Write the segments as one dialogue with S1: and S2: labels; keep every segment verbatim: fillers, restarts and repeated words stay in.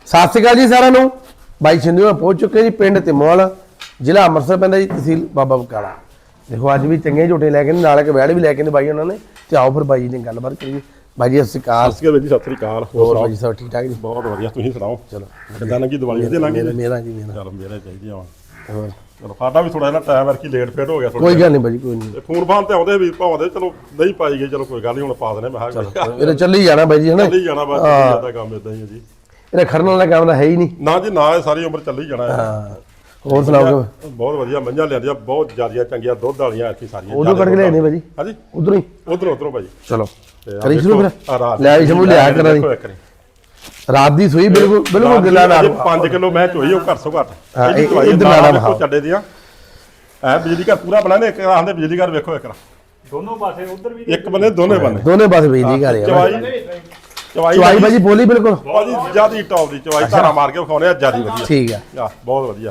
S1: ਸਤਿ ਸ਼੍ਰੀ ਅਕਾਲ ਜੀ ਸਾਰਿਆਂ ਨੂੰ। ਬਾਈ ਸਿੰਧੂ ਨਾਲ ਪਹੁੰਚ ਚੁੱਕੇ ਜੀ ਪਿੰਡ ਤਿਮੋਲ, ਜ਼ਿਲ੍ਹਾ ਅੰਮ੍ਰਿਤਸਰ ਪੈਂਦਾ ਜੀ, ਤਹਿਸੀਲ ਬਾਬਾ ਬਕਾਲਾ। ਦੇਖੋ ਅੱਜ ਵੀ ਚੰਗੇ ਝੋਟੇ ਲੈ ਕੇ ਨਾਲ ਇੱਕ ਵੈੜ ਵੀ ਲੈ ਕੇ ਨੇ ਬਾਈ ਉਹਨਾਂ ਨੇ। ਤੇ ਆਓ ਫਿਰ ਬਾਈ ਜੀ ਨੇ ਗੱਲਬਾਤ ਕਰੀਏ। ਬਾਈ ਜੀ ਸਤਿ ਸ਼੍ਰੀ ਅਕਾਲ।
S2: ਸਤਿ ਸ਼੍ਰੀ ਅਕਾਲ ਜੀ, ਸਤਿ ਸ਼੍ਰੀ ਅਕਾਲ।
S1: ਹੋਰ ਬਾਈ ਜੀ ਸਭ ਠੀਕ ਠਾਕ ਜੀ?
S2: ਬਹੁਤ ਵਧੀਆ, ਤੁਸੀਂ ਸੁਣਾਓ?
S1: ਚਲੋ
S2: ਕਿੱਦਾਂ ਲੱਗੀ ਦੀਵਾਲੀ? ਵਧੀਆ ਲੱਗੀ?
S1: ਮੇਰਾ ਜੀ ਮੇਰਾ।
S2: ਚਲ ਮੇਰਾ ਚਾਹੀਦੀ ਆ।
S1: ਹੋਰ
S2: ਚਲੋ ਸਾਡਾ ਵੀ ਥੋੜਾ ਜਿਹਾ ਟਾਈਮ ਵਰਕੀ ਲੇਟ ਫੇਟ ਹੋ ਗਿਆ ਥੋੜਾ।
S1: ਕੋਈ ਗੱਲ ਨਹੀਂ ਬਾਈ, ਕੋਈ ਨਹੀਂ।
S2: ਫੋਨ ਫਾਨ ਤੇ ਆਉਂਦੇ ਵੀ ਭਾਵੇਂ ਚਲੋ ਨਹੀਂ ਪਾਈ ਗਏ, ਚਲੋ ਕੋਈ ਗੱਲ ਨਹੀਂ, ਹੁਣ ਪਾ ਦਨੇ। ਮੈਂ ਕਿਹਾ
S1: ਇਹ ਚੱਲੀ ਜਾਣਾ ਬਾਈ ਜੀ, ਹਨਾ?
S2: ਚੱਲੀ ਜਾਣਾ ਬਸ, ਜਿਆਦਾ ਕੰਮ ਇਦਾਂ ਹੀ ਹੈ ਜੀ।
S1: ਇਹਦਾ ਖੜਨ ਵਾਲਾ ਕੰਮ ਤਾਂ ਹੈ ਹੀ ਨਹੀਂ।
S2: ਨਾ ਜੀ ਨਾ, ਸਾਰੀ ਉਮਰ ਚੱਲੀ ਜਾਣਾ ਹੈ।
S1: ਹਾਂ ਹੋਰ ਸੁਣਾਓ?
S2: ਬਹੁਤ ਵਧੀਆ ਮੱਝਾਂ ਲਿਆਂਦੀਆਂ, ਬਹੁਤ ਜ਼ਿਆਦੀਆਂ ਚੰਗੀਆਂ ਦੁੱਧ ਵਾਲੀਆਂ ਐਤਕੀ ਸਾਰੀਆਂ।
S1: ਉਧਰੋਂ ਕੱਢ ਕੇ ਲਿਆਏ ਬਾਈ ਜੀ?
S2: ਹਾਂਜੀ
S1: ਉਧਰੋਂ ਹੀ।
S2: ਉਧਰੋਂ ਉਧਰੋਂ ਭਾਈ।
S1: ਚਲੋ ਕਰੀ ਸ਼ੁਰੂ ਫਿਰ। ਲੈ ਸ਼ਮੂ ਲਿਆ ਕਰਾਂ ਜੀ। ਰਾਤ ਦੀ ਸੂਈ ਬਿਲਕੁਲ ਬਿਲਕੁਲ ਗਿੱਲਾ ਨਾਲ
S2: ਪੰਜ ਕਿਲੋ ਮੈਂ ਚੋਈ ਉਹ ਘਰ ਸੋ ਘੱਟ।
S1: ਹਾਂ
S2: ਇਹਦੀ ਚੋਈ
S1: ਇਧਰ ਨਾਲ
S2: ਦੇਖੋ ਚੱਡੇ ਦੀਆਂ ਐ ਬਿਜਲੀ ਘਰ ਪੂਰਾ ਬਣਾ ਨੇ। ਇੱਕ ਆਂਦੇ ਬਿਜਲੀ ਘਰ ਵੇਖੋ, ਇੱਕ
S3: ਦੋਨੋਂ ਪਾਸੇ ਉਧਰ ਵੀ
S2: ਇੱਕ ਬੰਨੇ ਦੋਨੇ ਬੰਨੇ
S1: ਦੋਨੇ ਪਾਸੇ ਬਿਜਲੀ ਘਰ ਆ।
S2: ਚਵਾਈ ਚਵਾਈ
S1: ਚਵਾਈ ਬਾਜੀ ਬੋਲੀ ਬਿਲਕੁਲ
S2: ਬਾਜੀ ਜਿਆਦੀ ਟੌਪ ਦੀ ਚਵਾਈ। ਧਾਰਾ ਮਾਰ ਕੇ ਵਿਖਾਉਣੇ ਆ, ਜਿਆਦੀ ਵਧੀਆ।
S1: ਠੀਕ ਆ,
S2: ਆ ਬਹੁਤ ਵਧੀਆ।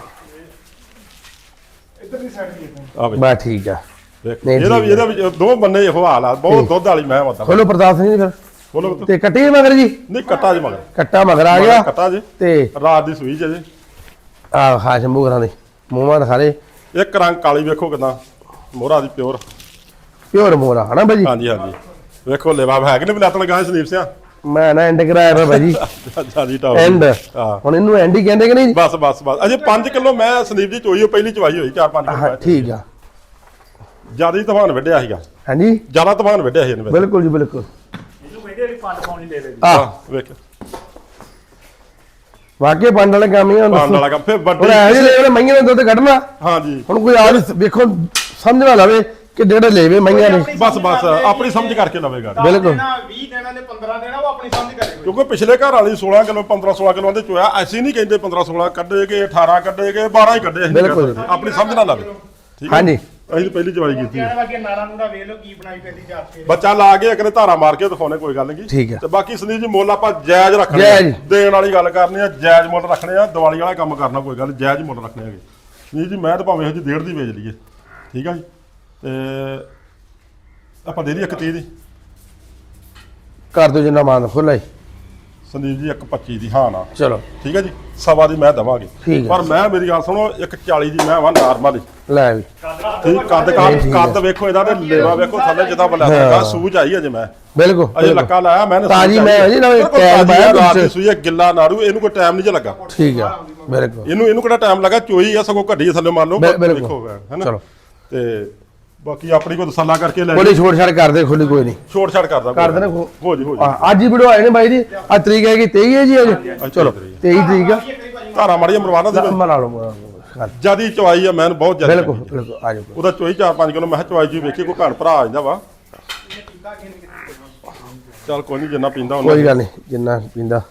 S3: ਇੱਧਰ ਦੀ ਸਾਈਡ ਵੀ
S2: ਆ ਵੇ
S1: ਬਾ ਠੀਕ ਆ।
S2: ਦੇਖੋ ਇਹਦਾ ਵੀ ਇਹਦਾ ਵੀ ਦੋ ਬੰਨੇ ਇਹੋ ਹਾਲ ਆ। ਬਹੁਤ ਦੁੱਧ ਵਾਲੀ ਮੈਂ ਮਤਲਬ।
S1: ਖੋਲੋ ਪ੍ਰਤਾਪ ਸਿੰਘ ਜੀ ਫਿਰ।
S2: ਬੋਲੋ
S1: ਤੇ ਕੱਟੀ ਮਗਰ ਜੀ?
S2: ਨਹੀਂ ਕੱਟਾ ਜੀ ਮਗਰ।
S1: ਕੱਟਾ ਮਗਰ ਆ ਗਿਆ
S2: ਕੱਟਾ ਜੀ
S1: ਤੇ
S2: ਰਾਤ ਦੀ ਸੂਈ ਜੇ।
S1: ਆ ਹਾਸ਼ਮੂ ਘਰਾਂ ਦੇ ਮੂੰਹਾਂ ਦਿਖਾ ਦੇ।
S2: ਇੱਕ ਰੰਗ ਕਾਲੀ ਵੇਖੋ ਕਿਦਾਂ, ਮੋਹਰਾ ਦੀ ਪਿਓਰ
S1: ਪਿਓਰ ਮੋਰਾ ਹਨਾ ਬਾਜੀ?
S2: ਹਾਂਜੀ ਹਾਂਜੀ ਵੇਖੋ ਲੇਵਾ ਹੈ ਕਿ ਨਹੀਂ ਬਲੈਤਣ ਗਾਂ ਸੰਦੀਪ ਸਿੰਘ।
S1: ਮੈਂ ਨਾ ਐਂਡ ਕਰਾਇਆ ਵਾ ਬਾਜੀ।
S2: ਜਿਆਦੀ ਟੌਪ
S1: ਐਂਡ
S2: ਹਾਂ।
S1: ਹੁਣ ਇਹਨੂੰ ਐਂਡ ਹੀ ਕਹਿੰਦੇ ਕਿ ਨਹੀਂ?
S2: ਬਸ ਬਸ ਬਸ ਅਜੇ ਪੰਜ ਕਿਲੋ ਮੈਂ ਸੰਦੀਪ ਦੀ ਚੋਈ, ਉਹ ਪਹਿਲੀ ਚਵਾਈ ਹੋਈ ਚਾਰ ਪੰਜ
S1: ਹਾਂ
S2: ਕਿਲੋ।
S1: ਠੀਕ ਆ।
S2: ਜਿਆਦਾ ਹੀ ਤੂਫਾਨ ਵੱਢਿਆ ਸੀਗਾ।
S1: ਹਾਂਜੀ
S2: ਜਿਆਦਾ ਤੂਫਾਨ ਵੱਢਿਆ ਸੀ ਇਹਨੇ।
S1: ਬਿਲਕੁਲ ਜੀ ਬਿਲਕੁਲ।
S3: ਇਹਨੂੰ ਕਹਿੰਦੇ ਵੀ ਪੰਜ ਪਾਉਣੀ ਲੈ ਲੈ ਜੀ।
S1: ਆ
S2: ਵੇਖ
S1: ਵਾਕਿਆ ਪੰਡ ਵਾਲੇ ਕੰਮ ਹੀ
S2: ਪਾਣ
S1: ਹੁਣ।
S2: ਵਾਲਾ ਕੰਮ। ਫਿਰ
S1: ਹੁਣ
S2: ਵੱਡੀ
S1: ਐ ਜੀ ਲੈ ਮਈਆਂ ਨੇ ਦੁੱਧ ਕੱਢਣਾ।
S2: ਹਾਂਜੀ
S1: ਹੁਣ ਕੋਈ ਆ ਵੇਖੋ ਸਮਝਣਾ ਲਵੇ ਕਿ ਜਿਹੜੇ ਲੈਵੇ ਮਈਆਂ ਨੇ।
S2: ਬਸ ਬਸ ਆਪਣੀ ਸਮਝ ਕਰਕੇ ਲਵੇਗਾ।
S1: ਬਿਲਕੁਲ।
S3: ਵੀਹ ਦੇਣਾ ਤੇ ਪੰਦਰਾਂ ਦੇਣਾ, ਉਹ ਆਪਣੀ ਸਮਝ ਕਰੇਗਾ।
S2: ਕਿਉਂਕਿ ਪਿਛਲੇ ਘਰ ਵਾਲੀ ਸੋਲਾਂ ਕਿਲੋ ਪੰਦਰਾਂ ਸੋਲਾਂ ਕਿਲੋ ਦੇ ਚੋਇਆ। ਅਸੀਂ ਨਹੀਂ ਕਹਿੰਦੇ ਪੰਦਰਾਂ ਸੋਲਾਂ ਕੱਢੇਗੇ, ਅਠਾਰਾਂ ਕੱਢੇਗੇ, ਬਾਰਾਂ ਹੀ ਕੱਢੇ। ਅਸੀਂ
S1: ਬਿਲਕੁਲ।
S2: ਆਪਣੀ ਸਮਝ ਨਾ ਲਵੇ। ਠੀਕ ਹੈ
S1: ਹਾਂਜੀ
S2: ਅਸੀਂ ਪਹਿਲੀ ਚਵਾਈ ਕੀਤੀ।
S3: ਕਹਿਣ ਲੱਗੇ ਨਾੜਾ ਨੂੜਾ ਵੇਖ ਲਓ ਕੀ ਬਣਾਈ ਪੈਂਦੀ ਜਾਤ ਕੇ।
S2: ਬੱਚਾ ਲਾ ਕੇ ਇੱਕ ਨੇ ਧਾਰਾ ਮਾਰ ਕੇ ਦਿਖਾਉਣੇ, ਕੋਈ ਗੱਲ ਨਹੀਂ।
S1: ਠੀਕ ਹੈ।
S2: ਤੇ ਬਾਕੀ ਸੰਦੀਪ ਜੀ ਮੁੱਲ ਆਪਾਂ ਜਾਇਜ਼ ਰੱਖਣੇ।
S1: ਜਾਇਜ਼।
S2: ਦੇਣ ਵਾਲੀ ਗੱਲ ਕਰਨੀ ਆ, ਜਾਇਜ਼ ਮੁੱਲ ਰੱਖਣੇ ਆ। ਦੀਵਾਲੀ ਵਾਲਾ ਕੰਮ ਕਰਨਾ, ਕੋਈ ਗੱਲ ਜਾਇਜ਼ ਮੁੱਲ ਰੱਖਣੇ ਹੈਗੇ। ਸੰਦੀਪ ਜੀ ਮੈਂ ਤਾਂ ਭਾਵੇਂ ਹਜੇ ਡੇਢ ਦੀ ਵੇਚ ਲਈਏ, ਠੀਕ ਆ ਜੀ। ਤੇ ਆਪਾਂ ਦੇ ਦੀ ਇੱਕ ਤੀਹ ਦੀ
S1: ਕਰ ਦੋ ਜਿੰਨਾ ਮਾਨ ਖੁੱਲਾ ਹੀ।
S2: ਸੰਦੀਪ ਜੀ ਇੱਕ ਪੱਚੀ ਦੀ ਹਾਂ ਨਾ।
S1: ਚਲੋ
S2: ਠੀਕ ਹੈ ਜੀ, ਸਵਾ ਦੀ ਮੈਂ ਦਵਾਂਗੇ।
S1: ਠੀਕ ਹੈ।
S2: ਪਰ ਮੈਂ ਮੇਰੀ ਗੱਲ ਸੁਣੋ, ਇੱਕ ਚਾਲੀ ਦੀ ਮੈਂ ਵਾ ਨਾਰਮਲ ਹੀ।
S1: ਲੈ ਵੀ
S2: ਠੀਕ ਕੱਦ ਕੱਦ ਕੱਦ ਵੇਖੋ ਇਹਦਾ, ਤੇ ਲੇਵਾ ਵੇਖੋ ਥੱਲੇ ਜਿੱਦਾਂ ਬਲੈਦਾ ਸੂਝ ਆਈ ਅਜੇ। ਮੈਂ
S1: ਬਿਲਕੁਲ
S2: ਅਜੇ ਲੱਕਾ ਲਾਇਆ ਮੈਂ
S1: ਤਾਜੀ ਮੈਂ ਜੀ ਨਾ ਟੈਗ ਪਾਇਆ
S2: ਰਾਤ ਦੀ ਸੂਈ ਆ, ਗਿੱਲਾ ਨਾੜੂ। ਇਹਨੂੰ ਕੋਈ ਟਾਈਮ ਨਹੀਂ ਜੇ ਲੱਗਾ।
S1: ਠੀਕ ਆ ਬਿਲਕੁਲ।
S2: ਇਹਨੂੰ ਇਹਨੂੰ ਕਿਹੜਾ ਟਾਈਮ ਲੱਗਾ, ਚੋਈ ਆ ਸਗੋਂ ਘੱਡੀ ਥੱਲੇ ਮੰਨ ਲਓ।
S1: ਬਿਲਕੁਲ।
S2: ਦੇਖੋ ਹੈਨਾ।
S1: ਚਲੋ
S2: ਤੇ ਬਾਕੀ ਆਪਣੀ ਕੋਈ ਤਸੱਲਾ ਕਰਕੇ ਲੈ
S1: ਕੋਈ ਛੋੜ ਛਾੜ ਕਰਦੇ ਖੁੱਲੀ ਕੋਈ ਨਹੀਂ।
S2: ਛੋੜ ਛਾੜ ਕਰਦਾ
S1: ਕਰ ਦੇਣਾ
S2: ਹੋ ਜੀ ਹੋ ਜੀ।
S1: ਅੱਜ ਹੀ ਵੀਡੀਓ ਆਏ ਨੇ ਬਾਈ ਦੀ। ਅੱਜ ਤਰੀਕ ਹੈ ਕਿ ਤੇਈ ਹੈ ਜੀ ਅੱਜ। ਚਲੋ ਤੇਈ ਤਰੀਕ ਆ।
S2: ਧਾਰਾ ਮਾੜੀ ਮਰਵਾਣਾ ਦੇ
S1: ਮਨਾ ਲਓ
S2: ਜਿਆਦੀ ਚਵਾਈ ਆ ਮੈਂ ਬਹੁਤ ਜਿਆਦਾ।
S1: ਬਿਲਕੁਲ ਬਿਲਕੁਲ ਆ ਜਾਓ।
S2: ਉਹਦਾ ਚੋਈ ਚਾਰ ਪੰਜ ਕਿਲੋ ਮੈਂ ਕਿਹਾ ਚਵਾਈ ਜੀ ਵੇਖੀ ਕੋਈ ਘਣ ਭਰਾ ਆ ਜਾਂਦਾ ਵਾ। ਚੱਲ ਕੋਈ ਨਹੀਂ, ਜਿੰਨਾ ਪੀਂਦਾ ਉਹਨਾਂ
S1: ਕੋਈ ਗੱਲ ਨਹੀਂ, ਜਿੰਨਾ ਪੀਂਦਾ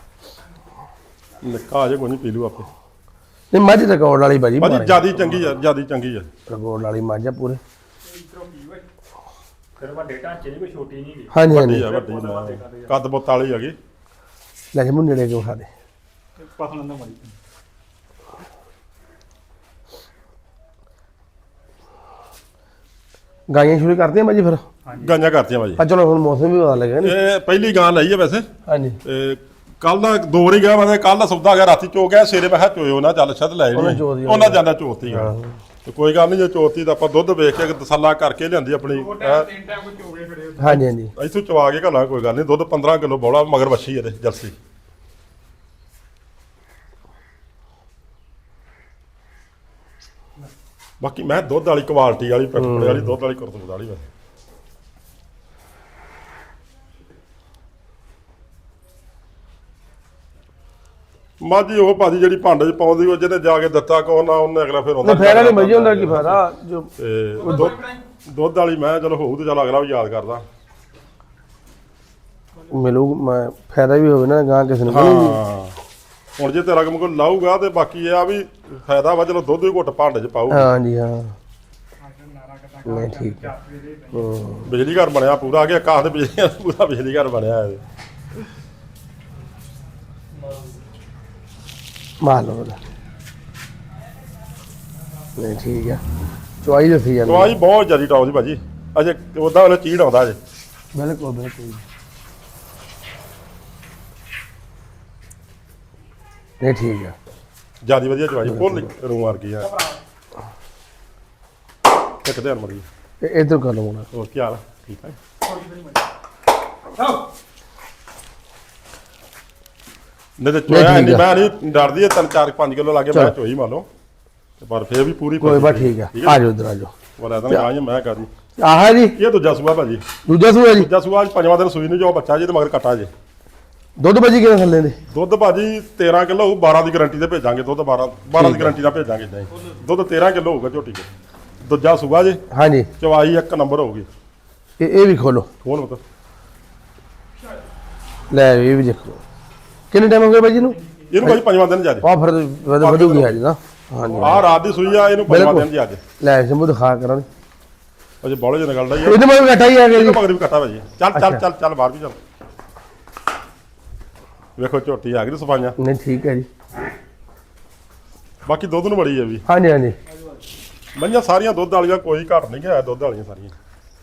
S2: ਨਿੱਕਾ ਅਜੇ ਕੋਈ ਨਹੀਂ ਪੀ ਲੂ ਆਪੇ।
S1: ਨਹੀਂ ਮੱਝ ਰਿਕਾਰਡ ਵਾਲੀ ਬਾਜੀ
S2: ਬਾਜੀ ਜਿਆਦੀ ਚੰਗੀ ਆ, ਜਿਆਦੀ ਚੰਗੀ ਆ।
S1: ਰਿਕਾਰਡ ਵਾਲੀ ਮੱਝ ਆ ਪੂਰੇ।
S3: ਫਿਰ ਵੱਡੇ ਢਾਂਚੇ ਦੀ ਕੋਈ ਛੋਟੀ ਨਹੀਂ ਗਈ।
S1: ਹਾਂਜੀ
S2: ਵੱਡੀ
S1: ਹਾਂਜੀ
S2: ਆ, ਵੱਡੀ ਮੈਂ ਕੱਦ ਬੁੱਤ ਵਾਲੀ ਹੈਗੀ।
S1: ਲੈ ਜੀ ਮੁੰਡੇ ਕੇ ਖਾ ਦੇ।
S3: ਪਸੰਦ ਨਾ ਮੜੀ।
S1: ਗਾਈਆਂ ਸ਼ੁਰੂ ਕਰਦੇ ਆ ਬਾਜੀ ਫਿਰ?
S2: ਗਾਈਆਂ ਕਰਤੀਆਂ ਬਾਜੀ।
S1: ਆ ਚਲੋ ਹੁਣ ਮੌਸਮ ਵੀ ਪਤਾ ਲੱਗਿਆ ਨਹੀਂ।
S2: ਇਹ ਪਹਿਲੀ ਗਾਂ ਲਈ ਆ ਵੈਸੇ।
S1: ਹਾਂਜੀ
S2: ਤੇ ਕੱਲ ਦਾ ਦੋ ਵਾਰੀ ਗਿਆ ਮੈਂ, ਕੱਲ ਦਾ ਸੌਦਾ ਗਿਆ ਰਾਤੀ ਚੋ ਗਿਆ, ਸਵੇਰੇ ਮੈਂ ਕਿਹਾ ਚੋਇਓ ਨਾ, ਚੱਲ ਛੱਡ ਲੈ
S1: ਉਹਨਾਂ
S2: ਜੀ।
S1: ਚੋ ਦੀ
S2: ਉਹਨਾਂ ਜਾਂਦਾ ਚੋਤੀ ਗਾ। ਤੇ ਕੋਈ ਗੱਲ ਨਹੀਂ, ਜੇ ਚੋਤੀ ਤਾਂ ਆਪਾਂ ਦੁੱਧ ਵੇਖ ਕੇ ਤਸੱਲਾ ਕਰਕੇ ਲਿਆਂਦੀ ਆਪਣੀ।
S3: ਤਿੰਨ ਟਾਈਮ ਕੋਈ ਚੋਗੇ ਖੜੇ।
S1: ਹਾਂਜੀ ਹਾਂਜੀ
S2: ਇੱਥੋਂ ਚਵਾ ਕੇ ਘੱਲਾਂ, ਕੋਈ ਗੱਲ ਨਹੀਂ। ਦੁੱਧ ਪੰਦਰਾਂ ਕਿਲੋ ਬੌਲਾ ਮਗਰ ਵੱਛੀ ਇਹਦੇ ਜਰਸੀ। ਬਾਕੀ ਮੈਂ ਦੁੱਧ ਵਾਲੀ ਕੁਆਲਿਟੀ ਵਾਲੀ ਪੈਕਟ ਵਾਲੀ ਦੁੱਧ ਵਾਲੀ ਕਰਤੂਤ ਵਾਲੀ ਵਾ। ਮਾਝੀ ਉਹ ਭਾਜੀ ਜਿਹੜੀ ਭਾਂਡੇ 'ਚ ਪਾਉਂਦੀ, ਉਹ ਜਿਹਨੇ ਜਾ ਕੇ ਦਿੱਤਾ ਕੋ ਨਾ, ਉਹਨੇ ਅਗਲਾ ਫਿਰ ਆਉਂਦਾ।
S1: ਫਾਇਦਾ ਨਹੀਂ ਬਾਜੀ ਹੁੰਦਾ, ਕੀ ਫਾਇਦਾ ਜੋ
S2: ਤੇ ਦੁੱਧ ਦੁੱਧ ਵਾਲੀ ਮੈਂ ਚਲੋ ਹੋਊ ਤੇ ਚੱਲ ਅਗਲਾ ਵੀ ਯਾਦ ਕਰਦਾ।
S1: ਮਿਲੂ ਮੈਂ ਫਾਇਦਾ ਵੀ ਹੋਵੇ ਨਾ ਗਾਂ ਕਿਸੇ ਨੂੰ।
S2: ਹਾਂ ਹੁਣ ਜੇ ਤੇਰਾ ਕੰਮ ਕੋਈ ਲਾਊਗਾ ਤੇ ਬਾਕੀ ਇਹ ਆ ਵੀ ਫਾਇਦਾ ਵਾ। ਚਲੋ ਦੁੱਧ ਵੀ ਘੁੱਟ ਭਾਂਡੇ 'ਚ ਪਾਊ।
S1: ਹਾਂਜੀ ਹਾਂ ਨਹੀਂ ਠੀਕ ਹੈ।
S2: ਬਿਜਲੀ ਘਰ ਬਣਿਆ ਪੂਰਾ, ਅੱਗੇ ਕਾਹ ਤੇ ਬਿਜਲੀ ਪੂਰਾ ਬਿਜਲੀ ਘਰ ਬਣਿਆ ਇਹ।
S1: ਮਾਰ ਲਓ ਨਹੀਂ ਠੀਕ ਆ। ਚਵਾਈ ਦੱਸੀ ਜਾਂਦੀ
S2: ਚਵਾਈ ਬਹੁਤ ਜ਼ਿਆਦਾ ਟੌਪ ਦੀ ਭਾਜੀ। ਅਜੇ ਉਦਾਂ ਵਾਲਾ ਚੀੜ ਆਉਂਦਾ ਅਜੇ।
S1: ਬਿਲਕੁਲ ਬਿਲਕੁਲ ਨਹੀਂ ਠੀਕ ਆ
S2: ਜਿਆਦੀ ਵਧੀਆ ਚਵਾਈ ਫੁੱਲ ਰੂੰ ਵਰਗੀ ਆ ਇੱਕ ਧਿਆਨ ਮਰੀ
S1: ਇਹ ਇਧਰ ਕਰ ਲਵਾਉਣਾ
S2: ਹੋਰ ਕੀ ਹਾਲ ਆ? ਠੀਕ ਹੈ ਨਹੀਂ ਤੇ ਚੋਇਆ
S1: ਠੀਕ
S2: ਨਹੀਂ
S1: ਆ।
S2: ਮੈਂ ਨਹੀਂ ਡਰਦੀ ਹੈ ਤਿੰਨ ਚਾਰ ਪੰਜ ਕਿਲੋ ਲੱਗੇ ਮੈਂ ਚੋਈ ਮੰਨ ਲਓ ਤੇ ਪਰ ਫੇਰ ਵੀ ਪੂਰੀ
S1: ਕੋਈ ਬਾ ਠੀਕ ਆ ਆ ਜਾਓ ਇਧਰ ਆ ਜਾਓ
S2: ਵਾਲਾ ਤਾਂ ਗਾਂ ਮੈਂ ਕਰੀ
S1: ਆਹ ਜੀ
S2: ਇਹ ਦੂਜਾ ਸੂਆ ਭਾਜੀ
S1: ਦੂਜਾ ਸੂਆ ਜੀ
S2: ਦੂਜਾ ਸੂਆ ਅੱਜ ਪੰਜਵਾਂ ਦਿਨ ਸੂਈ ਨੂੰ ਜੋ ਬੱਚਾ ਜੇ ਤੇ ਮਗਰ ਕੱਟਾ ਜੇ
S1: ਦੁੱਧ ਭਾਜੀ ਕਿਵੇਂ ਥੱਲੇ ਦੇ
S2: ਦੁੱਧ ਭਾਜੀ ਤੇਰਾਂ ਕਿਲੋ ਹੋਊ ਬਾਰਾਂ ਦੀ ਗਾਰੰਟੀ ਤੇ ਭੇਜਾਂਗੇ ਦੁੱਧ ਬਾਰਾਂ ਬਾਰਾਂ ਦੀ ਗਾਰੰਟੀ ਦਾ ਭੇਜਾਂਗੇ ਇਦਾਂ ਹੀ ਦੁੱਧ ਤੇਰਾਂ ਕਿਲੋ ਹੋਊਗਾ ਝੋਟੀ ਦੇ ਦੂਜਾ ਸੂਆ ਜੇ
S1: ਹਾਂਜੀ
S2: ਚਵਾਈ ਇੱਕ ਨੰਬਰ ਹੋਊਗੀ
S1: ਇਹ ਇਹ ਵੀ ਖੋਲੋ
S2: ਹੋਰ ਮਤਲਬ
S1: ਲੈ ਇਹ ਵੀ ਦੇਖੋ ਕਿੰਨੇ ਟਾਈਮ ਹੋ ਗਿਆ ਭਾਜੀ ਨੂੰ
S2: ਇਹਨੂੰ ਭਾਜੀ ਪੰਜਵਾਂ ਦਿਨ ਜਾ ਜੇ
S1: ਆ ਫਿਰ ਵਧ- ਵਧੂਗੀ ਅੱਜ ਨਾ ਹਾਂਜੀ
S2: ਆਹ ਰਾਤ ਦੀ ਸੂਈ ਆ ਇਹਨੂੰ ਪੰਜਵਾਂ ਦਿਨ ਜੀ ਅੱਜ
S1: ਲੈ ਸ਼ੰਭੂ ਦਿਖਾ ਕਰਾਂ
S2: ਅਜੇ ਬੋਲੇ ਜਨ ਗੱਲ ਦਾ ਹੀ ਆ
S1: ਇਹਦੇ ਮਗਰ ਘਟਾ ਹੀ ਆ ਗਿਆ ਜੀ
S2: ਇਹਨੂੰ ਮਗਰ ਵੀ ਕੱਟਾ ਭਾਜੀ ਚੱਲ ਚੱਲ ਚੱਲ ਚੱਲ ਬਾਹਰ ਵੀ ਚੱਲ ਵੇਖੋ ਝੋਟੀ ਆ ਗਈ ਸਫਾਈਆਂ
S1: ਨਹੀਂ ਠੀਕ ਹੈ ਜੀ
S2: ਬਾਕੀ ਦੁੱਧ ਨੂੰ ਬੜੀ ਹੈ ਵੀ
S1: ਹਾਂਜੀ ਹਾਂਜੀ
S2: ਮਈਆਂ ਸਾਰੀਆਂ ਦੁੱਧ ਵਾਲੀਆਂ ਕੋਈ ਘੱਟ ਨਹੀਂ ਗਿਆ ਦੁੱਧ ਵਾਲੀਆਂ ਸਾਰੀਆਂ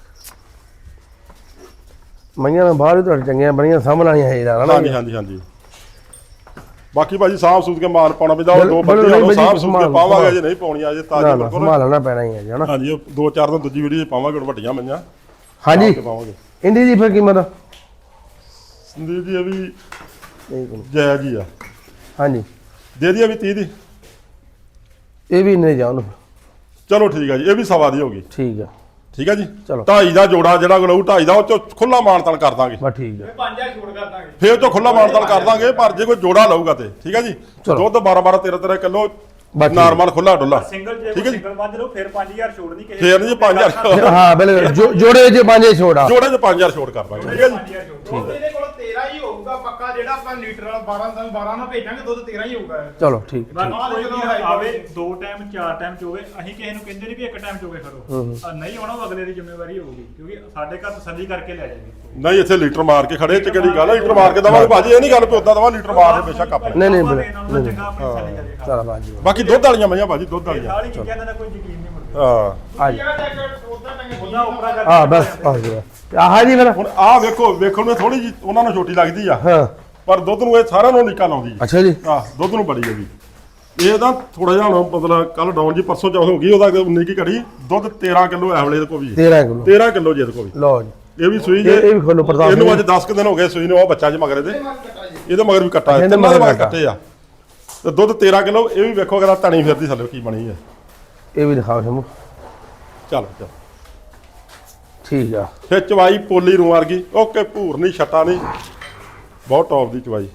S1: ਮਈਆਂ ਮੈਂ ਬਾਹਰ ਹੀ ਤੁਹਾਡੇ ਚੰਗੀਆਂ ਬਣੀਆਂ ਸਾਹਮਣੀਆਂ ਹੈ ਯਾਰ
S2: ਹਾਂਜੀ ਹਾਂਜੀ ਹਾਂਜੀ ਬਾਕੀ ਭਾਜੀ ਸਾਫ ਸੂਤ ਕੇ ਮਾਲ ਪਾਉਣਾ ਪੈਂਦਾ ਉਹ
S1: ਬਿਲ-
S2: ਦੋ
S1: ਬਿਲਕੁਲ
S2: ਬੰਦੇ
S1: ਨਹੀਂ
S2: ਸਾਫ
S1: ਭਾਜੀ,
S2: ਸੂਤ ਕੇ
S1: ਸੰਭਾਲ-
S2: ਪਾਵਾਂਗੇ ਜੇ ਨਹੀਂ ਪਾਉਣੀਆਂ ਜੇ
S1: ਨਾ
S2: ਤਾਜ਼ੀ
S1: ਨਾ
S2: ਬਿਲਕੁਲ
S1: ਸੰਭਾਲਣਾ ਪੈਣਾ ਹੀ ਹੈ ਜੀ ਹਨਾ
S2: ਹਾਂਜੀ ਉਹ ਦੋ ਚਾਰ ਦਿਨ ਦੂਜੀ ਵੀਡੀਓ 'ਚ ਪਾਵਾਂਗੇ ਹੁਣ ਵੱਡੀਆਂ ਮਈਆਂ
S1: ਹਾਂਜੀ
S2: ਤੇ ਪਾਵਾਂਗੇ
S1: ਇੰਡੀ ਦੀ ਫਿਰ ਕੀਮਤ
S2: ਸੰਦੀਪ ਜੀ ਇਹ ਵੀ
S1: ਨਹੀਂ ਕੋਈ।
S2: ਜਾਇਜ਼ ਹੀ ਆ
S1: ਹਾਂਜੀ
S2: ਦੇ ਦਈਏ ਵੀ ਤੀਹ ਦੀ
S1: ਇਹ ਵੀ ਨਹੀਂ ਜਾਣ
S2: ਚਲੋ ਠੀਕ ਆ ਜੀ ਇਹ ਵੀ ਸਵਾ ਦੀ ਹੋ ਗਈ
S1: ਠੀਕ ਆ
S2: ਠੀਕ ਆ ਜੀ
S1: ਚਲੋ।
S2: ਢਾਈ ਦਾ ਜੋੜਾ ਜਿਹੜਾ ਗਲੂ ਢਾਈ ਦਾ ਉਹ ਚ ਖੁੱਲਾ ਮਾਨਤਾਨ ਕਰ ਦਾਂਗੇ
S1: ਬਸ ਠੀਕ ਆ
S3: ਪੰਜ ਹਜ਼ਾਰ ਛੋੜ ਕਰ ਦਾਂਗੇ
S2: ਫੇਰ ਤੋਂ ਖੁੱਲਾ ਮਾਨਤਾਨ ਕਰ ਦਾਂਗੇ ਪਰ ਜੇ ਕੋਈ ਜੋੜਾ ਲਊਗਾ ਤੇ ਠੀਕ ਆ ਜੀ
S1: ਚਲੋ।
S2: ਦੁੱਧ ਬਾਰਾਂ ਬਾਰਾਂ ਤੇਰਾਂ ਤੇਰਾਂ ਕਿਲੋ
S1: ਬਸ ਠੀਕ।
S2: ਨਾਰਮਲ ਖੁੱਲਾ ਡੁੱਲਾ
S3: ਸਿੰਗਲ ਜੇ
S2: ਠੀਕ ਹੈ ਜੀ।
S3: ਸਿੰਗਲ ਮੰਨ ਲਓ ਫਿਰ ਪੰਜ ਹਜ਼ਾਰ ਛੋੜ ਨਹੀਂ ਕਿਸੇ
S2: ਫੇਰ ਨਹੀਂ ਜੀ ਪੰਜ ਹਜ਼ਾਰ
S1: ਹਾਂ ਬਿਲਕੁਲ ਜੋ- ਜੋੜੇ ਵਿੱਚ ਪੰਜੇ ਛੋੜਾ
S2: ਜੋੜੇ ਚ ਪੰਜ ਹਜ਼ਾਰ ਛੋੜ ਕਰ ਦਾਂਗੇ ਠੀਕ ਆ ਜੀ
S3: ਪੰਜ ਹਜ਼ਾਰ ਛੋੜ ਦੁੱਧ ਇਹਦੇ ਕੋਲ ਤੇਰਾਂ ਹੀ ਹੋਊਗਾ ਪੱਕਾ ਜਿਹੜਾ ਆਪਾਂ ਲੀਟਰ ਵਾਲਾ ਬਾਰਾਂ ਦਾ ਬਾਰਾਂ ਨਾਲ ਭੇਜਾਂਗੇ ਦੁੱਧ ਤੇਰਾਂ ਹੀ ਹੋਊਗਾ
S1: ਚਲੋ ਠੀਕ
S3: ਬਾਕੀ ਕੋਈ ਵੀ ਆਵੇ ਦੋ ਟਾਈਮ ਚਾਰ ਟਾਈਮ ਚੋਵੇ ਅਸੀਂ ਕਿਸੇ ਨੂੰ ਕਹਿੰਦੇ ਨਹੀਂ ਵੀ ਇੱਕ ਟਾਈਮ ਚੋਵੇ ਖੜੋ ਆ ਨਹੀਂ ਆਉਣਾ ਉਹ ਅਗਲੇ ਦੀ ਜ਼ਿੰਮੇਵਾਰੀ ਹੋਊਗੀ ਕਿਉਂਕਿ ਸਾਡੇ ਘਰ ਤਸੱਲੀ ਕਰਕੇ ਲੈ ਜਾਏਗੀ
S2: ਨਹੀਂ ਇੱਥੇ ਲੀਟਰ ਮਾਰ ਕੇ ਖੜੇ ਚ ਕਿਹੜੀ ਗੱਲ ਆ ਲੀਟਰ ਮਾਰ ਕੇ ਦਵਾਂਗੇ ਭਾਜੀ ਇਹ ਨਹੀਂ ਗੱਲ ਵੀ ਉਦਾਂ ਦਵਾ ਲੀਟਰ ਮਾਰ ਦੇ ਬੇਸ਼ੱਕ ਆਪਣੇ
S1: ਨਹੀਂ ਨਹੀਂ
S3: ਆਪਾਂ
S1: ਬਿਲਕੁਲ
S3: ਦੇਣਾ ਉਹਨਾਂ ਚੰਗਾ ਆਪਣੀ ਤਸੱਲੀ ਕਰੇਗਾ
S1: ਚਲ ਬਾਜੀ
S2: ਬਾਕੀ ਦੁੱਧ ਵਾਲੀਆਂ ਮਈਆਂ ਭਾਜੀ ਦੁੱਧ ਵਾਲੀਆਂ
S3: ਸਾਰੀ ਚੀਜ਼ਾਂ ਦਾ ਕੋਈ ਯਕੀਨ ਨਹੀਂ ਮੁੜਦਾ
S2: ਹਾਂ
S1: ਆ ਜੀ
S3: ਉਹਦਾ ਉਪਰਾ ਕਰ
S1: ਹਾਂ ਬਸ ਆ ਜੀ ਆਹ ਜੀ ਫਿਰ
S2: ਹੁਣ ਆਹ ਵੇਖੋ ਵੇਖਣ ਨੂੰ ਥੋੜੀ ਜੀ ਉਹਨਾਂ ਨੂੰ ਛੋਟੀ ਲੱਗਦੀ ਆ
S1: ਹਾਂ
S2: ਪਰ ਦੁੱਧ ਨੂੰ ਇਹ ਸਾਰਿਆਂ ਨੂੰ ਨਿਕਲ ਆਉਂਦੀ ਆ
S1: ਅੱਛਾ ਜੀ
S2: ਆਹ ਦੁੱਧ ਨੂੰ ਬੜੀ ਹੈਗੀ ਇਹ ਤਾਂ ਥੋੜਾ ਜਿਹਾ ਹੁਣ ਮਤਲਬ ਕੱਲ ਡਾਊਨ ਜੀ ਪਰਸੋਂ ਚੌਥ ਹੋ ਗਈ ਉਹਦਾ ਉਨੀ ਕੀ ਘੜੀ ਦੁੱਧ ਤੇਰਾਂ ਕਿਲੋ ਐਵਲੇ ਦੇ ਕੋ ਵੀ
S1: ਤੇਰਾਂ ਕਿਲੋ
S2: ਤੇਰਾਂ ਕਿਲੋ ਜੇ ਕੋ ਵੀ
S1: ਲਓ ਜੀ
S2: ਇਹ ਵੀ ਸੂਈ
S1: ਇਹ
S2: ਜੇ
S1: ਇਹ ਵੀ ਖੋਲੋ ਪ੍ਰਤਾਪ
S2: ਇਹਨੂੰ ਅੱਜ
S1: ਜੀ।
S2: ਦਸ ਕੁ ਦਿਨ ਹੋ ਗਏ ਸੂਈ ਨੂੰ ਉਹ ਬੱਚਾ ਜੇ ਮਗਰੇ ਦੇ ਇਹਦੇ ਮਗਰ ਵੀ ਕੱਟਾ ਹੈ
S1: ਇਹਦੇ
S2: ਤਿੰਨਾਂ ਦੇ
S1: ਮਗਰ
S2: ਮਗਰ ਕੱਟੇ ਆ ਤੇ ਦੁੱਧ ਤੇਰਾਂ ਕਿਲੋ ਇਹ ਵੀ ਵੇਖੋ ਅਗਰ ਧਣੀ ਫਿਰਦੀ ਥੱਲੇ ਕੀ ਬਣੀ ਹੈ
S1: ਇਹ ਵੀ ਦਿਖਾਓ ਸ਼ੰਭੂ
S2: ਚੱਲ ਚੱਲ
S1: ਠੀਕ ਆ
S2: ਫਿਰ ਚਵਾਈ ਪੋਲੀ ਰੂ ਵਰਗੀ ਓਕੇ ਭੂਰ ਨਹੀਂ ਛੱਟਾ ਨਹੀਂ ਬਹੁਤ ਟੌਪ ਦੀ ਚਵਾਈ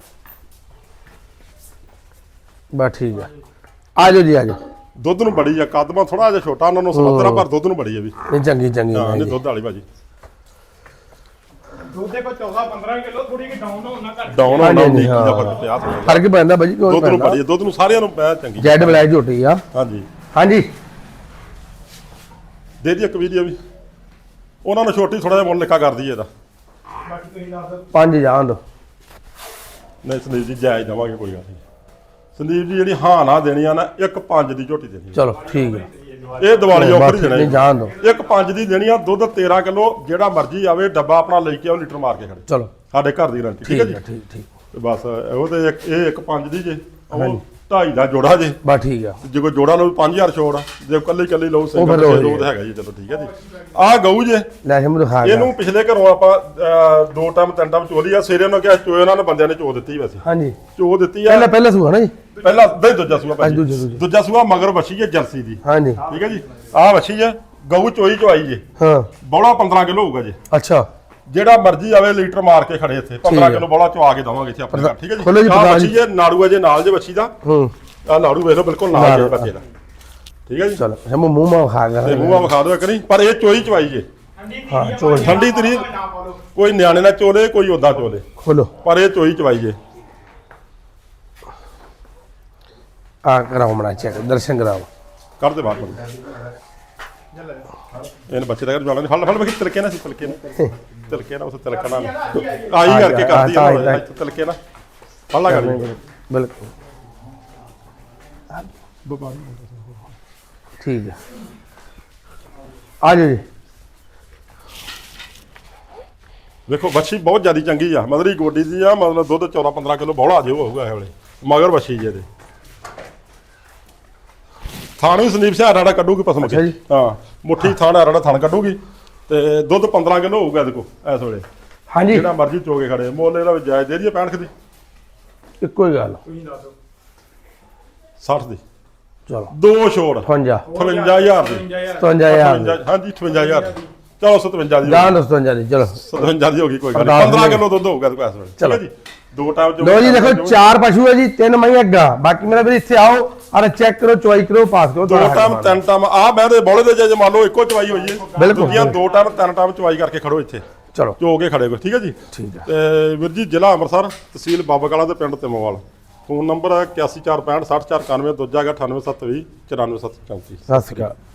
S1: ਬਸ ਠੀਕ ਆ ਆ ਜਾਓ ਜੀ ਆ ਜਾਓ
S2: ਦੁੱਧ ਨੂੰ ਬੜੀ ਆ ਕਦਮਾਂ ਥੋੜਾ ਜਿਹਾ ਛੋਟਾ ਉਹਨਾਂ ਨੂੰ ਸਮੁੰਦਰਾ ਪਰ ਦੁੱਧ ਨੂੰ ਬੜੀ ਆ ਵੀ
S1: ਨਹੀਂ ਚੰਗੀ ਚੰਗੀ
S2: ਹਾਂ
S1: ਹੈ
S2: ਨਹੀਂ
S1: ਜੀ।
S2: ਦੁੱਧ ਵਾਲੀ ਭਾਜੀ
S3: ਦੁੱਧ ਦੇ ਕੋ ਚੌਦਾਂ ਪੰਦਰਾਂ ਕਿਲੋ ਥੋੜੀ ਕਿ ਡਾਊਨ ਹੋਣਾ ਘੱਟ
S2: ਡਾਊਨ
S1: ਹਾਂਜੀ,
S2: ਹੋਣਾ ਨਹੀਂ
S1: ਹਾਂ।
S2: ਦਾ ਫਰਕ ਪਿਆ ਥੋੜ੍ਹਾ।
S1: ਫਰਕ ਪੈਂਦਾ ਬਾਜੀ ਕੋਈ
S2: ਦੁੱਧ ਨੂੰ
S1: ਪੈਂਦਾ
S2: ਬੜੀ ਆ, ਦੁੱਧ ਨੂੰ ਸਾਰਿਆਂ ਨੂੰ ਪੈ ਚੰਗੀ
S1: ਜੈਡ ਬਲੈਕ ਝੋਟੀ ਆ
S2: ਹਾਂਜੀ
S1: ਹਾਂਜੀ
S2: ਦੇ ਦੀ ਇੱਕ ਵੀਡੀਓ ਵੀ ਉਹਨਾਂ ਨੂੰ ਛੋਟੀ ਥੋੜਾ ਜਿਹਾ ਮੁੱਲ ਲਿਖਾ ਕਰ ਦਈਏ ਇਹਦਾ
S3: ਬਾਕੀ ਤੁਸੀਂ ਦੱਸ ਦਿਓ
S1: ਪੰਜ ਜਾਣ ਦੋ
S2: ਨਹੀਂ ਸੰਦੀਪ ਜੀ ਜਾਇਜ਼ ਦੇਵਾਂਗੇ ਕੋਈ ਗੱਲ ਨਹੀਂ ਸੰਦੀਪ ਜੀ ਜਿਹੜੀ ਹਾਂ ਨਾ ਦੇਣੀ ਆ ਨਾ ਇੱਕ ਪੰਜ ਦੀ ਝੋਟੀ ਦੇਣੀ ਆ।
S1: ਚਲੋ ਠੀਕ ਹੈ
S2: ਇਹ ਦੀਵਾਲੀ ਆਫਰ ਹੀ
S1: ਨਹੀਂ
S2: ਦੇਣਾ
S1: ਜਾਣ ਦੋ
S2: ਜੀ। ਇੱਕ ਪੰਜ ਦੀ ਦੇਣੀ ਆ ਦੁੱਧ ਤੇਰਾਂ ਕਿਲੋ ਜਿਹੜਾ ਮਰਜ਼ੀ ਆਵੇ ਡੱਬਾ ਆਪਣਾ ਲੈ ਕੇ ਆਓ ਲੀਟਰ ਮਾਰ ਕੇ ਖੜੇ
S1: ਚਲੋ
S2: ਸਾਡੇ ਘਰ ਦੀ ਗਰੰਟੀ ਠੀਕ
S1: ਠੀਕ
S2: ਹੈ
S1: ਹੈ
S2: ਜੀ
S1: ਠੀਕ ਠੀਕ
S2: ਤੇ ਬਸ ਉਹ ਤੇ ਇੱਕ ਇਹ ਇੱਕ ਪੰਜ ਦੀ ਜੇ ਉਹ ਢਾਈ ਦਾ ਜੋੜਾ ਜੇ
S1: ਬਸ ਠੀਕ ਆ
S2: ਜੇ ਕੋਈ ਜੋੜਾ ਲਓ ਪੰਜ ਹਜ਼ਾਰ ਛੋੜ ਆ। ਜੇ ਕੱਲੀ ਕੱਲੀ ਲਓ
S1: ਫਿਰ
S2: ਸਿੰਗਲ
S1: ਲਓ
S2: ਜੇ
S1: ਜੀ।
S2: ਦੋ ਤਾਂ ਹੈਗਾ ਜੀ ਚਲੋ ਠੀਕ ਹੈ ਜੀ ਆਹ ਗਊ ਜੇ
S1: ਲੈ ਸ਼ੰਭੂ ਦਿਖਾ ਗਿਆ
S2: ਇਹਨੂੰ ਪਿਛਲੇ ਘਰੋਂ ਆਪਾਂ ਅਹ, ਦੋ ਟਾਈਮ ਤਿੰਨ ਟਾਈਮ ਚੋਲੀ ਆ ਸੇਰੇ ਨੂੰ ਕਿਹਾ ਚੋਏ ਉਹਨਾਂ ਨੇ ਬੰਦਿਆਂ ਨੇ ਚੋ ਦਿੱਤੀ ਵੈਸੇ
S1: ਹਾਂਜੀ
S2: ਚੋ ਦਿੱਤੀ ਆ
S1: ਪਹਿਲਾਂ ਪਹਿਲਾਂ ਸੂਆ ਨਾ ਜੀ
S2: ਪਹਿਲਾਂ ਨਹੀਂ ਦੂਜਾ ਸੂਆ ਭਾਜੀ
S1: ਦੂਜਾ, ਦੂਜਾ।
S2: ਦੂਜਾ ਸੂਆ ਮਗਰ ਵੱਛੀ ਹੈ ਜਰਸੀ ਦੀ
S1: ਹਾਂਜੀ
S2: ਠੀਕ ਹੈ ਜੀ ਆਹ ਵੱਛੀ ਹੈ ਗਊ ਚੋਈ ਚਵਾਈ ਜੇ
S1: ਹਾਂ
S2: ਬੌਲਾ ਪੰਦਰਾਂ ਕਿਲੋ ਹੋਊਗਾ ਜੀ
S1: ਅੱਛਾ
S2: ਜਿਹੜਾ ਮਰਜ਼ੀ ਆਵੇ ਲੀਟਰ ਮਾਰ ਕੇ ਖੜੇ ਇੱਥੇ ਪੰਦਰਾਂ
S1: ਠੀਕ ਹੈ।
S2: ਕਿਲੋ ਬੌਲਾ ਚਵਾ ਕੇ ਦਵਾਂਗੇ ਇੱਥੇ ਆਪਣੇ ਘਰ ਠੀਕ ਹੈ
S1: ਖੋਲੋ
S2: ਜੀ
S1: ਜੀ
S2: ਆਹ
S1: ਪ੍ਰਧਾਨ
S2: ਵੱਛੀ ਹੈ ਨਾੜੂ ਹੈ ਜੇ ਨਾਲ ਜੇ ਵੱਛੀ ਦਾ
S1: ਹੂੰ
S2: ਆਹ ਨਾੜੂ ਵੇਖ ਲਓ ਬਿਲਕੁਲ ਨਾਲ
S1: ਨਾਲ,
S2: ਜੇ ਬੱਚੇ ਦਾ ਠੀਕ ਹੈ ਜੀ
S1: ਚਲੋ ਸ਼ੰਭੂ ਮੂੰਹ ਮਾ ਖਾ
S2: ਤੇ
S1: ਗਿਆ
S2: ਮੂੰਹਾਂ ਵਿਖਾ ਦਿਓ ਇੱਕ ਨਹੀਂ ਪਰ ਇਹ ਚੋਈ ਚਵਾਈ ਜੇ
S3: ਠੰਡੀ
S1: ਹਾਂ,
S3: ਤੀਰੀ ਆ
S1: ਚੋਲ।
S3: ਭਾਵੇਂ
S2: ਠੰਡੀ ਤੀਰੀ।
S3: ਨਾ ਪਾ ਲਓ
S2: ਕੋਈ ਨਿਆਣੇ ਨਾਲ ਚੋਲੇ ਕੋਈ ਉਦਾਂ ਚੋਲੇ
S1: ਖੋਲੋ
S2: ਪਰ ਇਹ ਚੋਈ ਚਵਾਈ ਜੇ
S1: ਆ ਕਰਾਓ ਮਣਾ ਚੈੱਕ ਦਰਸ਼ਨ ਕਰਾਓ
S2: ਕੱਢ ਦੇ ਬਾਹਰ ਬੰਦੇ ਇਹਨ ਬੱਚੇ ਦਾ ਜਵਾਨਾਂ ਨੇ ਫੜ ਫੜ ਵੇਖ ਤਿਲਕੇ ਨਾ ਸੀ ਤਿਲਕੇ ਨਾ ਤਿਲਕੇ ਨਾ ਉਸ ਤਿਲਕਾ ਨਾਲ ਆਈ ਕਰਕੇ ਕਰਦੀ ਆ ਨਾ ਤਿਲਕੇ ਨਾ ਫੜ ਲਾ ਗਾੜੀ
S1: ਬਿਲਕੁਲ ਠੀਕ ਹੈ ਆ ਜਾਓ ਜੀ
S2: ਵੇਖੋ ਬੱਚੀ ਬਹੁਤ ਜ਼ਿਆਦੀ ਚੰਗੀ ਆ ਮਦਰੀ ਗੋਡੀ ਦੀ ਆ ਮਤਲਬ ਦੁੱਧ ਚੌਦਾਂ ਪੰਦਰਾਂ ਕਿਲੋ ਬੌਲਾ ਜੇ ਉਹ ਹੋਊਗਾ ਇਹ ਵੇਲੇ ਮਗਰ ਵੱਛੀ ਜੇ ਇਹਦੇ ਥਾਣ ਵੀ ਸੰਦੀਪ ਸਿਆਰਾ ਦਾ ਕੱਢੂਗੀ ਪਸਮ
S1: ਅੱਛਾ ਜੀ।
S2: ਕੇ ਹਾਂ ਮੁੱਠੀ ਥਾਣ ਆਰਾ ਦਾ ਥਾਣ ਕੱਢੂਗੀ ਤੇ ਦੁੱਧ ਪੰਦਰਾਂ ਕਿਲੋ ਹੋਊਗਾ ਇਹਦੇ ਕੋਲ ਇਸ ਵੇਲੇ
S1: ਹਾਂਜੀ
S2: ਜਿਹੜਾ ਮਰਜ਼ੀ ਚੋਗੇ ਖੜੇ ਮੁੱਲ ਇਹਦਾ ਵੀ ਜਾਇਜ਼ ਦੇ ਦਈਏ ਪੈਂਹਠ ਦੀ
S1: ਇੱਕੋ ਹੀ ਗੱਲ
S3: ਤੁਸੀਂ ਦੱਸ ਦਿਓ
S2: ਸੱਠ ਦੀ
S1: ਚਲੋ
S2: ਦੋ ਛੋੜ
S1: ਅਠਵੰਜਾ
S2: ਅਠਵੰਜਾ ਹਜ਼ਾਰ ਦੀ
S1: ਸਤਵੰਜਾ ਹਜ਼ਾਰ ਦੀ।
S2: ਅਠਵੰਜਾ ਹਾਂਜੀ ਅਠਵੰਜਾ ਹਜ਼ਾਰ ਦੀ। ਚਲੋ ਸਤਵੰਜਾ ਦੀ
S1: ਜਾਨ ਸਤਵੰਜਾ ਦੀ ਚਲੋ
S2: ਸਤਵੰਜਾ ਦੀ ਹੋ ਗਈ ਕੋਈ ਗੱਲ
S1: ਅਰਦਾਸ
S2: ਨਹੀਂ ਪੰਦਰਾਂ
S1: ਜੀ।
S2: ਕਿਲੋ ਦੁੱਧ ਹੋਊਗਾ ਇਹਦੇ ਕੋਲ ਇਸ ਵੇਲੇ ਠੀਕ
S1: ਚਲੋ।
S2: ਹੈ ਜੀ ਦੋ ਟਾਈਮ ਚੋਗੇ
S1: ਲੋ ਜੀ ਦੇਖੋ ਚਾਰ ਪਸ਼ੂ ਹੈ ਜੀ ਤਿੰਨ ਮਈਆਂ ਗਾਂ ਬਾਕੀ ਮੇਰਾ ਵੀਰ ਇੱਥੇ ਆਓ ਔਰ ਚੈੱਕ ਕਰੋ ਚੁਆਈ ਕਰੋ ਪਾਸ ਕਰੋ
S2: ਦੋ
S1: ਤੁਹਾਡਾ
S2: ਟਾਈਮ
S1: ਹੱਕ
S2: ਤਿੰਨ ਟਾਈਮ ਆ ਮੈਂ ਦੇ ਬੋਲੇ ਦੇ ਜੇ ਮੰਨ ਲਓ ਇੱਕੋ ਚਵਾਈ ਹੋਈ ਹੈ
S1: ਬਿਲਕੁਲ।
S2: ਦੂਜੀਆਂ ਦੋ ਟਾਈਮ ਤਿੰਨ ਟਾਈਮ ਚਵਾਈ ਕਰਕੇ ਖੜੋ ਇੱਥੇ
S1: ਚਲੋ
S2: ਚੋ ਕੇ ਖੜੇ ਕੋ ਠੀਕ ਹੈ ਜੀ
S1: ਠੀਕ ਹੈ
S2: ਤੇ ਵੀਰ ਜੀ ਜ਼ਿਲ੍ਹਾ ਅੰਮ੍ਰਿਤਸਰ ਤਹਿਸੀਲ ਬਾਬਾ ਕਾਲਾ ਤੇ ਪਿੰਡ ਤਿਮੋਵਾਲ ਫੋਨ ਨੰਬਰ ਹੈ ਇਕਾਸੀ ਚਾਰ ਪੈਂਹਠ ਸੱਠ ਚਾਰ ਇਕਾਨਵੇਂ ਦੂਜਾ ਹੈਗਾ ਅਠਾਨਵੇਂ ਸੱਤ ਵੀਹ ਚੁਰਾਨਵੇਂ ਸੱਤ ਚੌਂਤੀ
S1: ਸਤਿ ਸ਼੍ਰੀ ਅਕਾਲ।